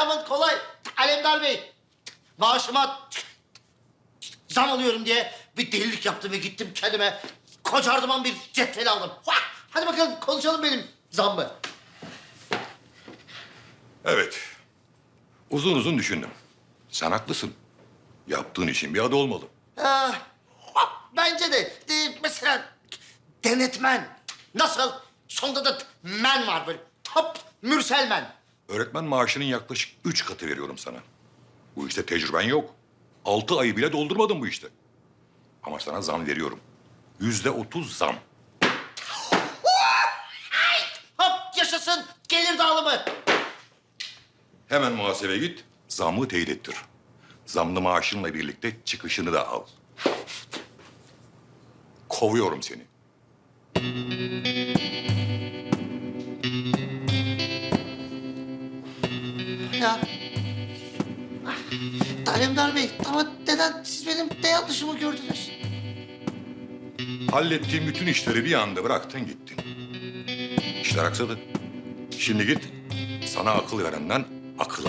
Aman kolay. Alemdar Bey. Maaşıma zam alıyorum diye bir delilik yaptım ve gittim kendime kocardıman bir cetvel aldım. Hadi bakalım konuşalım benim zammı. Evet. Uzun uzun düşündüm. Sen haklısın. Yaptığın işin bir adı olmalı. Bence de mesela denetmen. Nasıl? Sonunda da men var böyle. Hop Mürselmen. Öğretmen maaşının yaklaşık 3 katı veriyorum sana. Bu işte tecrüben yok. 6 ayı bile doldurmadın bu işte. Ama sana zam veriyorum. %30 zam. Hop yaşasın gelir dağılımı. Hemen muhasebeye git, zammı teyit ettir. Zamlı maaşınla birlikte çıkışını da al. Kovuyorum seni. Ya. Alemdar Bey ama neden siz benim ne yanlışımı gördünüz? Hallettiğim bütün işleri bir anda bıraktın gittin. İşler aksadı. Şimdi git, sana akıl verenden akıl al.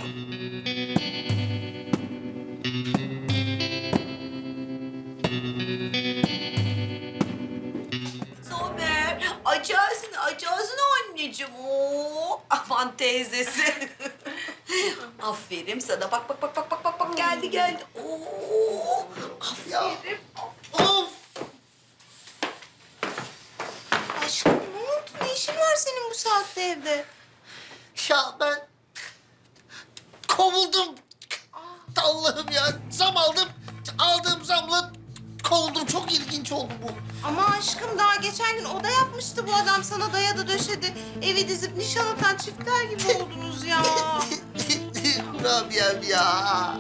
Somer, açarsın anneciğim. Oo, aman teyzesi. Aferin sana. Bak. Geldi. Oo, aferin. Of! Aşkım ne oldu? Ne işin var senin bu saatte evde? Ya ben kovuldum. Allah'ım ya zam aldım. Aldığım zamla kovuldum. Çok ilginç oldu bu. Ama aşkım daha geçen gün oda yapmıştı bu adam. Sana dayadı döşedi. Evi dizip nişan atan çiftler gibi oldunuz ya. Rabia'm ya.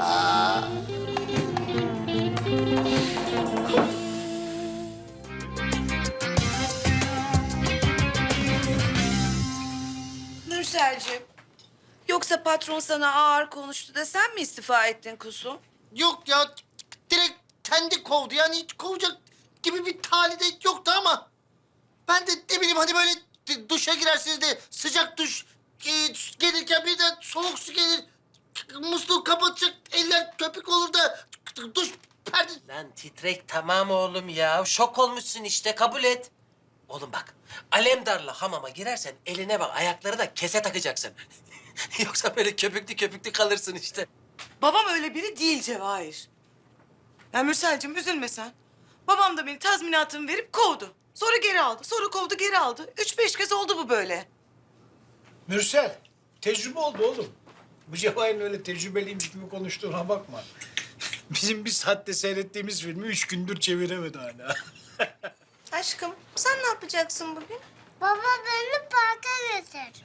Nurselciğim, yoksa patron sana ağır konuştu da sen mi istifa ettin kuzum? Yok ya direkt kendi kovdu. Yani hiç kovacak gibi bir tali de yoktu ama ben de ne bileyim hani böyle duşa girersiniz de sıcak duş gelirken bir de soğuk su gelir. Musluğu kapatacak eller köpük olur da duş perde... Lan titrek tamam oğlum ya. Şok olmuşsun işte kabul et. Oğlum bak Alemdar'la hamama girersen eline bak ayakları da kese takacaksın. Yoksa böyle köpüklü kalırsın işte. Babam öyle biri değil Cevahir. Ya Mürselcim üzülme sen. Babam da beni tazminatımı verip kovdu. Sonra geri aldı. Sonra kovdu geri aldı. 3-5 kez oldu bu böyle. Mürsel, tecrübe oldu oğlum. Bu Cevahir'in öyle tecrübeliymiş gibi konuştuğuna bakma. Bizim bir saatte seyrettiğimiz filmi 3 gündür çeviremedi hala. Aşkım sen ne yapacaksın bugün? Baba beni parka götür.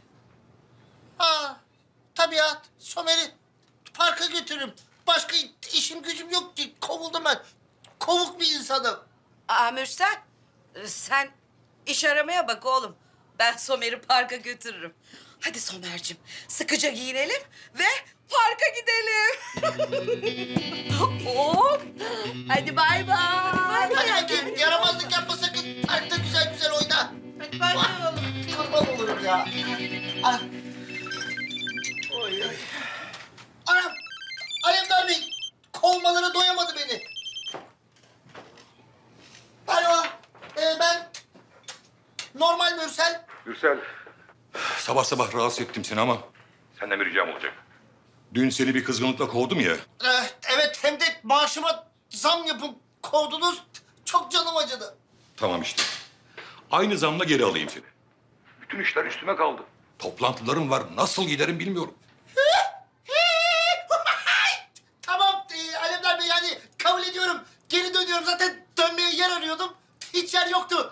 Tabii ya Somer'i parka götürürüm. Başka işim gücüm yok ki. Kovuldum ben. Kovuk bir insanım. Mürsel, sen iş aramaya bak oğlum. Ben Somer'i parka götürürüm. Hadi Somer'cim, sıkıca giyinelim ve parka gidelim. Hop, hadi bay bay. Hadi bakayım yaramazlık yapma sakın. Parkta güzel güzel oyna. Hadi başlayalım. Kurban olurum ya. Ah. Oy oy. Anam. Alemdar Bey. Kovmalara doyamadı beni. Alo. Ben normal Mürsel. Gürsel. Sabah sabah rahatsız ettim seni ama senden bir ricam olacak. Dün seni bir kızgınlıkla kovdum ya. Evet hem de maaşıma zam yapıp kovdunuz. Çok canım acıdı. Tamam işte. Aynı zamla geri alayım seni. Bütün işler üstüme kaldı. Toplantılarım var. Nasıl giderim bilmiyorum. Tamam Alemdar Bey yani kabul ediyorum. Geri dönüyorum zaten dönmeye yer arıyordum. Hiç yer yoktu.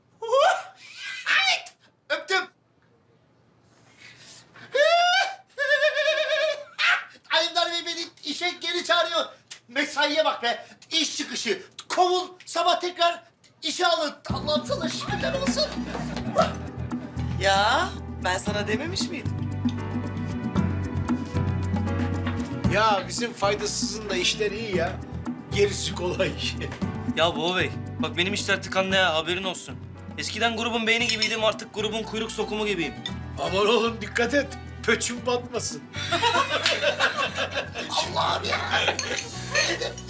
Öptüm. Alemdar Bey beni işe geri çağırıyor. Mesaiye bak be. İş çıkışı. Kovul. Sabah tekrar işe alın. Allah'ım sana şükürler olsun. Ya ben sana dememiş miydim? Ya bizim faydasızın da işler iyi ya. Gerisi kolay. Ya baba bey, bak benim işler tıkandı ya, haberin olsun. Eskiden grubun beyni gibiydim, artık grubun kuyruk sokumu gibiyim. Aman oğlum dikkat et. Pöçüm batmasın. Allah'ım ya.